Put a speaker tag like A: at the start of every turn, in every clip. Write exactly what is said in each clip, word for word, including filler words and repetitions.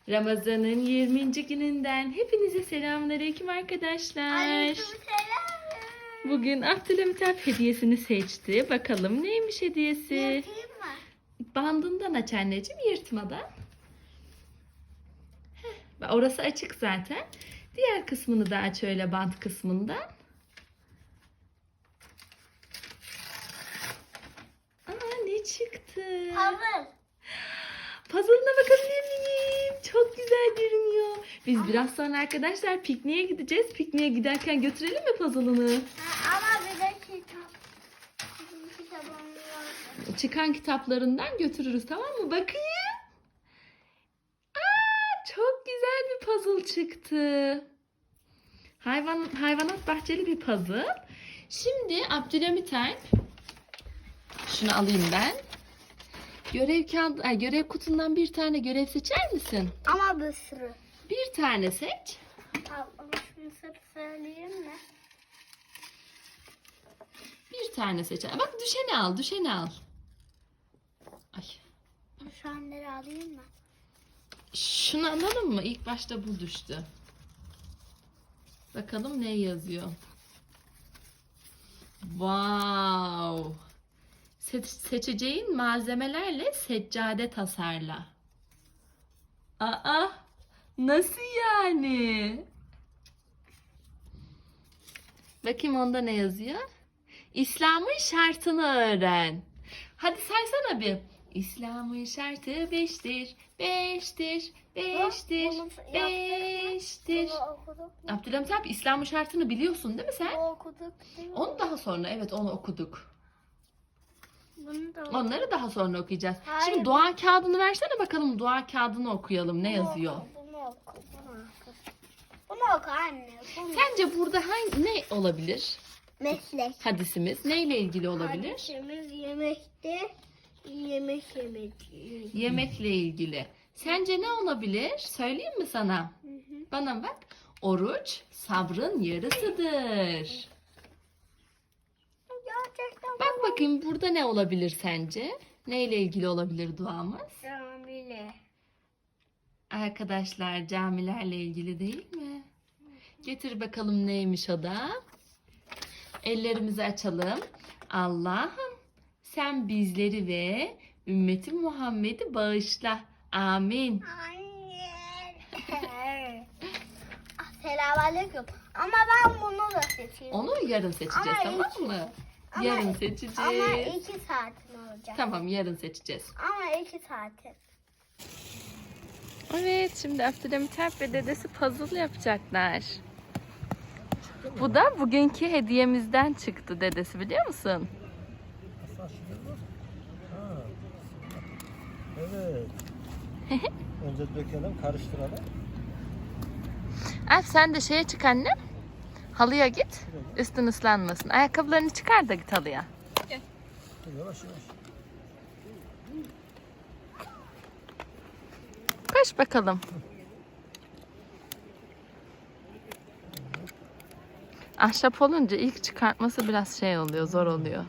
A: Ramazan'ın yirminci gününden hepinize selamünaleyküm arkadaşlar.
B: Aleykümselam.
A: Bugün Abdülhamitap hediyesini seçti. Bakalım neymiş hediyesi?
B: Yapayım mı?
A: Bandından aç anneciğim, yırtmadan. Heh, orası açık zaten. Diğer kısmını da aç, öyle bant kısmından. Aa, ne çıktı?
B: Havuz.
A: Puzzle'ına bakabilir miyim? Çok güzel görünüyor. Biz biraz sonra arkadaşlar pikniğe gideceğiz. Pikniğe giderken götürelim mi puzzle'ını?
B: Ha, ama bir de kitap. Bizim kitabımız var.
A: Çıkan kitaplarından götürürüz, tamam mı? Bakayım. Aa, çok güzel bir puzzle çıktı. Hayvan, hayvanat bahçeli bir puzzle. Şimdi Abdülhamit Alp, şunu alayım ben. Görev kağıdı, ay, görev kutundan bir tane görev seçer misin?
B: Ama bir sürü.
A: Bir tane seç.
B: Al, ama şunu sırf söyleyeyim mi?
A: Bir tane seç. Bak, düşeni al, düşeni al. Ay.
B: Şu anları alayım mı?
A: Şunu alalım mı? İlk başta bu düştü. Bakalım ne yazıyor. Wow. Se- seçeceğin malzemelerle seccade tasarla. Aa, nasıl yani? Bakayım onda ne yazıyor? İslam'ın şartını öğren. Hadi saysana bir. İslam'ın şartı beştir, beştir, beştir,
B: Bunu
A: beştir.
B: Bunu okuduk.
A: Abdülhamit abi, İslam'ın şartını biliyorsun değil mi sen?
B: Bunu okuduk değil mi?
A: Onu daha sonra, evet, onu okuduk.
B: Bunu da okuduk.
A: Onları daha sonra okuyacağız.
B: Hayır.
A: Şimdi dua kağıdını versene bakalım, dua kağıdını okuyalım. Ne yazıyor?
B: Bunu oku. Bunu oku. Bunu oku anne. Bunu.
A: Sence burada hangi, ne olabilir?
B: Meslek.
A: Hadisimiz neyle ilgili olabilir?
B: Hadisimiz yemekte. Yemek yemek.
A: Yemekle ilgili. Sence ne olabilir? Söyleyeyim mi sana? Bana bak. Oruç sabrın yarısıdır.
B: Gerçekten
A: Bak bakayım, burada ne olabilir sence? Neyle ilgili olabilir duamız?
B: Camile.
A: Arkadaşlar, camilerle ilgili değil mi? Getir bakalım neymiş o da. Ellerimizi açalım. Allah'ım sen bizleri ve ümmeti Muhammed'i bağışla. Amin.
B: Anne. Selamünaleyküm. Ama ben bunu da seçeyim.
A: Onu yarın seçeceğiz,
B: Ama
A: tamam
B: iki-
A: mı?
B: ama-
A: Yarın seçeceğiz.
B: Ama iki saatim olacak.
A: Tamam, yarın seçeceğiz.
B: Ama iki saatim.
A: Evet, şimdi Abdülhamit Alp ve dedesi puzzle yapacaklar. Bu da bugünkü hediyemizden çıktı dedesi, biliyor musun?
C: Ha. Evet. Önce dökelim, karıştıralım.
A: Alp, sen de şeye çık annem. Halıya git. Üstün ıslanmasın. Ayakkabılarını çıkar da git halıya.
C: Dur, yavaş yavaş.
A: Koş bakalım. Ahşap olunca ilk çıkartması biraz şey oluyor, zor oluyor.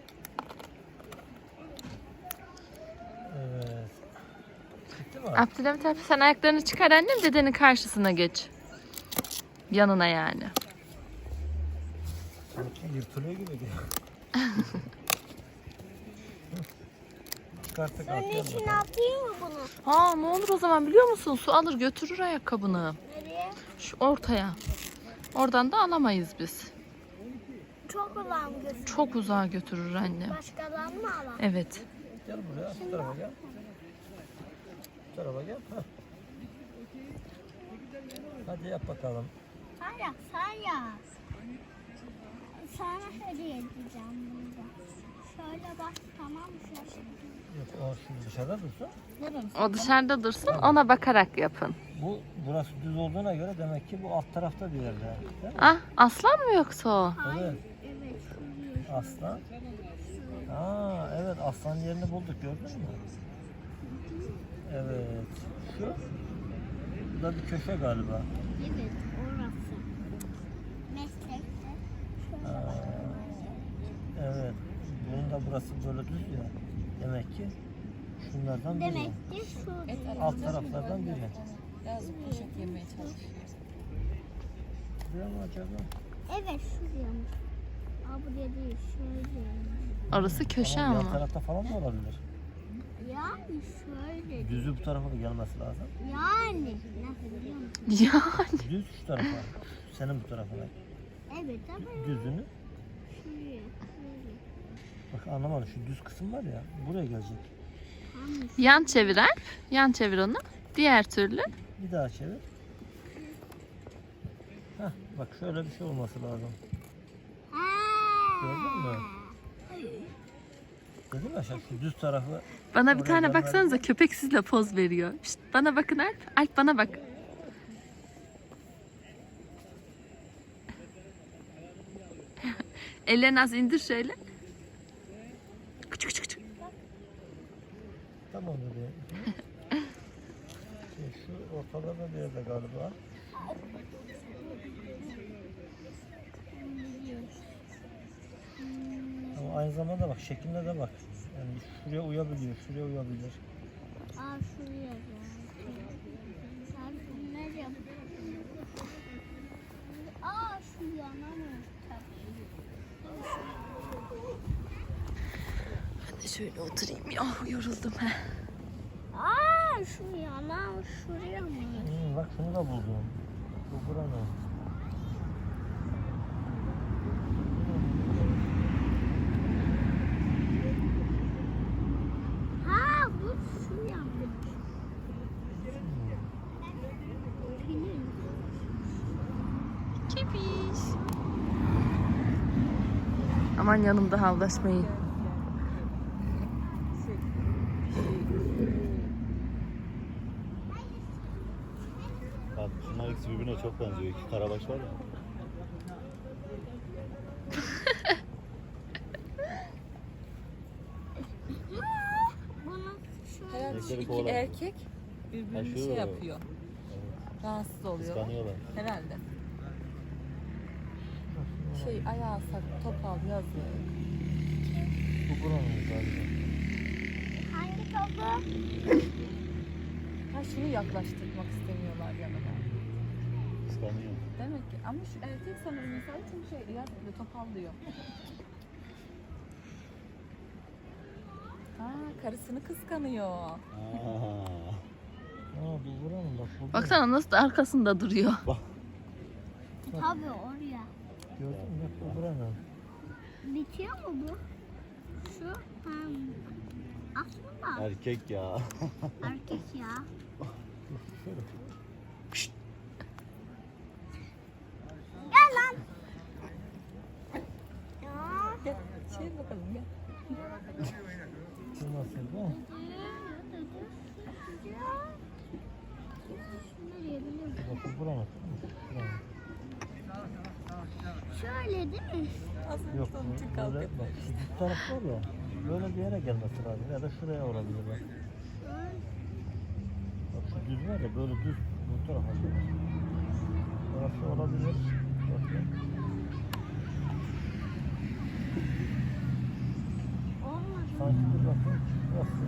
C: Evet. Bitti mi?
A: Abdülhamit abi, sen ayaklarını çıkar annem, dedenin karşısına geç. Yanına yani.
C: Sanki yırtılıyor gibi geliyor. Çıkarttık,
B: Bunun
C: atlayalım
B: için
C: bakalım.
B: atayım mı bunu?
A: Ha, ne olur o zaman biliyor musun? Su alır götürür ayakkabını.
B: Nereye?
A: Şu ortaya. Oradan da alamayız biz.
B: Çok uzağım gözüm.
A: Çok uzağa götürür annem.
B: Başkadan mı alalım?
A: Evet.
C: Gel buraya, şu tarafa gel. Bu tarafa gel. Heh. Hadi yap bakalım.
B: Sen yap, sen yap. Sana hediye edeceğim burada. Şöyle bak, tamam mı? Şöyle.
C: Yok, o şimdi dışarıda dursun.
A: O dışarıda dursun, ona bakarak yapın.
C: Bu burası düz olduğuna göre demek ki bu alt tarafta bir yerde. Değil mi?
A: Ah, aslan mı yoksa o?
C: Evet.
B: Evet, şuraya.
C: Aslan. Aa, evet, aslan yerini bulduk, gördün mü? Evet. Şu. Bu da bir köşe galiba.
B: Evet, orası. Meslekte. Şöyle
C: Aa,
B: bak.
C: evet. Bunun da burası böyle düz ya. Demek ki şunlardan biri.
B: Demek ki şu.
C: Alt taraflardan biri.
A: Yazık poşet yemeye çalışıyor.
C: Buraya mı acaba?
B: Evet şuraymış. Aa buraya değil şöyle.
A: Orası köşe
C: Ama yan
A: ama.
C: tarafta falan da olabilir.
B: Yani şöyle.
C: Düzü bu tarafa da gelmesi lazım.
B: Yani. Nasıl biliyor musun?
A: Yani.
C: Düz şu tarafa. Senin bu tarafına.
B: Evet ama
C: Düzünü.
B: şuraya. Şöyle.
C: Bak anlamadım. Şu düz kısım var ya. Buraya gelecek.
B: Tamam.
A: Yan çevir Alp. Yan çevir onu. Diğer türlü.
C: Bir daha çevir. Heh, bak şöyle bir şey olması lazım. Gördün mü? Dedim ya şu düz tarafı.
A: Bana bir
C: Oraya
A: tane
C: gönderdim.
A: baksanıza, köpek sizle poz veriyor. Şşt, bana bakın Alp. Alp bana bak. Ellerini az indir şöyle. Küçük küçük küçük.
C: Tamam dedi. Şey, şu ortalarda bir yerde galiba. Ama aynı zamanda bak şekline de bak. Yani şuraya uyabiliyor, şuraya uyabilir.
B: Aa şuraya da. Sen ne yapıyorsun? Aa şu yana mı?
A: Ben de şöyle oturayım ya. Yoruldum. Heh.
B: Aa şu yana şuraya mı?
C: Hmm, bak şunu da buldum. Bu buranın.
B: Ha bu şu yana.
A: Kepiş. Aman yanımda havlaşmayın.
D: Bak şunlar ikisi birbirine çok benziyor. İki karabaş var ya.
B: Bunu şöyle.
A: Herhalde şu
D: Erkek
A: iki
D: oğlan.
A: erkek birbirini
D: Ha, şu-
A: şey yapıyor. Rahatsız oluyor.
D: Kıskanıyorlar.
A: Herhalde. Şey ayağı sak, topal yazıyor.
C: Bu buranın galiba.
B: Hangi topu?
A: Ha şunu yaklaştırmak istemiyorlar yanına.
D: Kıskanıyor.
A: Demek ki ama şu erkek sanırım mesela çünkü şey yazıyor, topal diyor. Ha karısını kıskanıyor.
D: Aa.
C: Aa bu buranın bak. Bu
A: Baksana nasıl da arkasında duruyor.
B: Tabii oraya.
C: Gördün mü? Bak bu buranın.
B: Bitiyor mu bu? Şu hem aslında
D: Erkek ya.
B: erkek ya.
C: Şöyle.
B: Gel lan. Ya.
A: Gel şey bakalım gel.
C: Bu nasıl bu?
B: Nereye biliyor musun?
C: Bak bu buranın. Buranın.
B: Şöyle değil mi?
A: Az önce
C: Yok
A: onun için
C: bu
A: kavga
C: böyle
A: ettim.
C: bak şu düz taraf var ya. Böyle bir yere gelmesi lazım ya da şuraya olabilir bak. Bak şu düz var ya böyle düz bu tarafa gelir. Orası olabilir. Bakın.
B: Olmadı.
C: Sanki bir bakın. Şurası.